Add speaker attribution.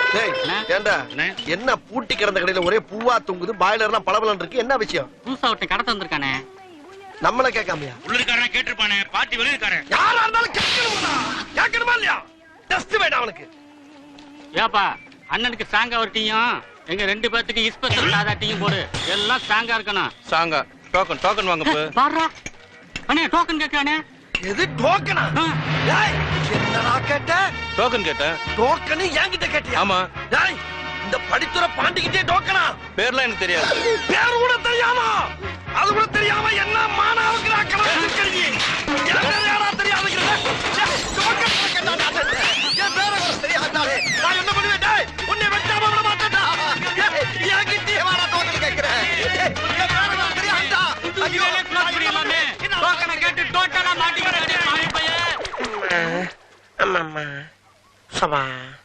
Speaker 1: ஏண்டா என்ன பூட்டி கிடந்த கடையில ஒரே பூவா தொங்குது, பாய்லர்லாம் பளபளன்னு இருக்கு, என்ன விஷயம்?
Speaker 2: புதுசா ஒருத்தன் கடத்த வந்திருக்கானே.
Speaker 1: நம்மள கேட்காமையா?
Speaker 3: உள்ளுக்காரன் கேட்டிருப்பானே, பாட்டி வெளியிருக்காரன்.
Speaker 1: யாரா இருந்தாலும் கேட்கணுமா இல்லையா? டெஸ்ட் வேண்டாம் அவனுக்கு.
Speaker 2: ஏப்பா அண்ணனுக்கு சாங்கா ஒரு டீயும், எங்க 2 பேத்துக்கு இஸ்பெஷல் சாதா டீயும் போடு. எல்லாம் சாங்கா இருக்கணும்.
Speaker 3: சாங்கா டோக்கன் வாங்க.
Speaker 2: பாருடா அண்ணே, டோக்கன் கேட்கானே.
Speaker 1: எது டோக்கனா? டேய் என்னடா கேட்ட?
Speaker 3: டோக்கன் கேட்டேன்.
Speaker 1: டோக்கன் என்கிட்ட கேட்டியா?
Speaker 3: ஆமா.
Speaker 1: டேய் இந்த படித்துற பாண்டிக்கிட்டே டோக்கனா?
Speaker 3: பேர்லாம் எனக்கு தெரியாது.
Speaker 1: பேர் கூட தெரியாம, அது கூட தெரியாம என்ன மானாவுக்கு நான் கலந்து இருக்கீங்க. எனக்கு யாரா தெரியாதுங்கற? டோக்கன் கேட்டாடா. என் பேர கூட தெரியாதாடே. நான் என்ன பண்ணுவேன்? டேய் உன்னை வெட்டாம விட மாட்டேன்டா. என்கிட்ட வாடா டோக்கன் கேக்குறேன். என் பேர கூட தெரியாதா? ஐயோ
Speaker 2: க்ளோஸ் பண்ணிடலாமே. டோக்கனை கேட்டு டோட்டலா மாட்டிக்கிட்டே பாவி பையன்.
Speaker 1: அம்மா சபா